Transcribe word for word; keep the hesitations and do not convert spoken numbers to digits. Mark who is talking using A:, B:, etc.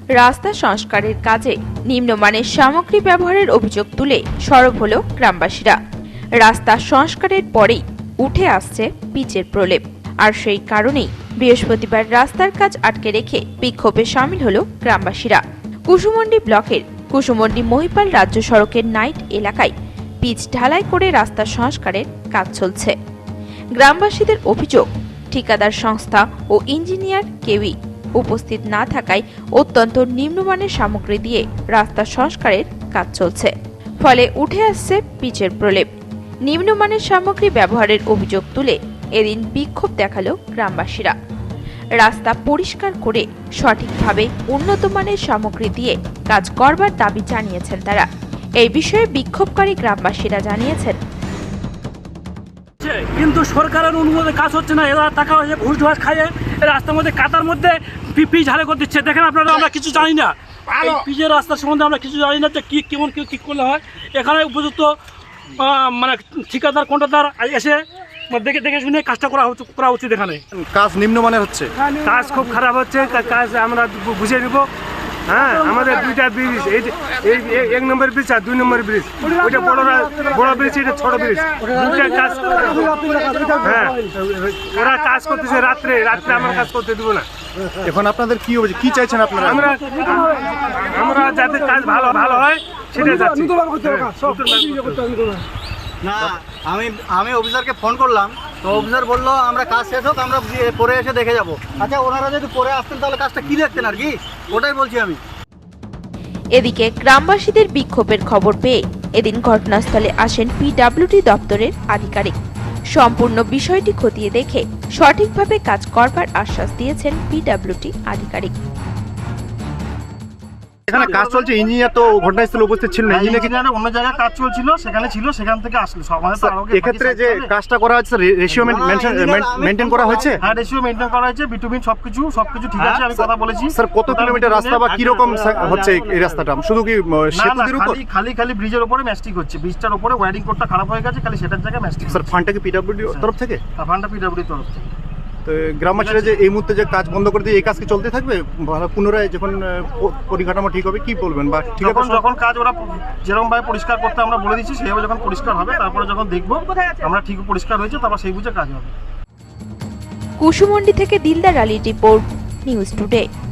A: রাস্তা সংস্কারের কাজে নিম্নমানের সামগ্রী ব্যবহারের অভিযোগ তুলে সরব হল গ্রামবাসীরা। রাস্তা সংস্কারের পরেই উঠে আসছে পিচের প্রলেপ, আর সেই কারণেই বৃহস্পতিবার রাস্তার কাজ আটকে রেখে বিক্ষোভে সামিল হল গ্রামবাসীরা। কুসুমন্ডি ব্লকের কুসুমন্ডি মহিপাল রাজ্য সড়কের নাইট এলাকায় পিচ ঢালাই করে রাস্তা সংস্কারের কাজ চলছে। গ্রামবাসীদের অভিযোগ, ঠিকাদার সংস্থা ও ইঞ্জিনিয়ার কেউই উপস্থিত না থাকায় অত্যন্ত নিম্নমানের সামগ্রী দিয়ে রাস্তা সংস্কারের কাজ চলছে, ফলে উঠে আসছে পিচের প্রলেপ। নিম্নমানের সামগ্রী ব্যবহারের অভিযোগ তুলে এদিন বিক্ষোভ দেখালো গ্রামবাসীরা। রাস্তা পরিষ্কার করে সঠিকভাবে উন্নত মানের সামগ্রী দিয়ে কাজ করবার দাবি জানিয়েছেন তারা। এই বিষয়ে বিক্ষোভকারী গ্রামবাসীরা জানিয়েছেন,
B: কিন্তু সরকারের অনুমোদনে কাজ হচ্ছে না। এরা টাকা হয়েছে ঘুষ ঘাস খাইয়ে রাস্তার মধ্যে কাতার মধ্যে পিচ ঝাড়ে করে দিচ্ছে। দেখেন আপনারা, আমরা কিছু জানি না পিচের রাস্তার সম্বন্ধে, আমরা কিছু জানি না যে কি কেমন কি ঠিক করলে হয়। এখানে উপযুক্ত মানে ঠিকাদার কন্ট্রাক্টর এসে দেখে দেখে শুনে কাজটা করা করা উচিত। এখানে
C: কাজ নিম্নমানের হচ্ছে,
B: কাজ খুব খারাপ হচ্ছে। কাজ আমরা বুঝিয়ে নিব। হ্যাঁ, আমাদের দুইটা ব্রিজ, এই এক নম্বর ব্রিজ আর দুই নম্বর ব্রিজ, ওইটা বড় বড় ব্রিজ, এটা ছোট ব্রিজ, দুইটা কাজ। হ্যাঁ, ওরা কাজ করতেছে রাত্রে রাত্রে আমরা কাজ করতে দিব না।
C: এখন আপনাদের কি হবে, কি চাইছেন আপনারা?
B: আমরা আমরা যাতে কাজ ভালো ভালো হয় সেটা চাচ্ছি।
D: না, আমি আমি অফিসারকে ফোন করলাম, তো অফিসার বললো আমরা কাজ শেষ হোক, আমরা পরে এসে দেখে যাব। আচ্ছা, ওনারা যদি পরে আসতেন তাহলে কাজটা কি দেখতেন আর কি, ওটাই বলছি আমি।
A: এদিকে গ্রামবাসীদের বিক্ষোভের খবর পেয়ে এদিন ঘটনাস্থলে আসেন পিডব্লিউডি দপ্তরের আধিকারিক। সম্পূর্ণ বিষয়টি খতিয়ে দেখে সঠিকভাবে কাজ করবার আশ্বাস দিয়েছেন পিডব্লিউডি আধিকারিক।
C: এখানে কাজ চলছে, ইঞ্জিনিয়ার তো ঘটনাস্থলে উপস্থিত ছিল না।
B: ইঞ্জিনিয়ার অন্য জায়গায় কাজ চলছিল, সেখানে ছিল, সেখান থেকে আসলো।
C: এক্ষেত্রে যে কাজটা করা হচ্ছে, রেশিও মেনটেন করা হয়েছে?
B: হ্যাঁ, রেশিও মেনটেন করা হয়েছে, বিটুমিন সবকিছু সবকিছু ঠিক আছে। আমি কথা বলেছি।
C: স্যার, কত কিলোমিটার রাস্তা বা কি রকম হচ্ছে এই রাস্তাটা? শুধু কি সেতুর উপর?
B: খালি খালি ব্রিজের উপরে ম্যাস্টিক হচ্ছে। ব্রিজটার উপরে ওয়্যারিং কোডটা খারাপ হয়ে গেছে, খালি সেটার জায়গায় ম্যাস্টিক।
C: স্যার, ফান্ডটা কি পিডব্লিউডি তরফ থেকে?
B: ফান্ডটা পিডব্লিউডি তরফ থেকে।
C: তো গ্রামবাসীরা যে এই মুহূর্তে যে কাজ বন্ধ করে দিয়ে এই কাজ কি চলতে থাকবে? পুনরায় যখন পরিকাঠামো ঠিক হবে কি বলবেন? বা ঠিক আছে,
B: যখন কাজ ওরা যেরকম ভাবে পরিষ্কার করতে আমরা বলে দিচ্ছি, সেইভাবে যখন পরিষ্কার হবে, তারপরে যখন দেখবো আমরা ঠিক পরিষ্কার হয়েছে, তারপর সেই বুঝে কাজ হবে।
A: কুসুমন্ডি থেকে দিলদার আলীর রিপোর্ট, নিউজ টুডে।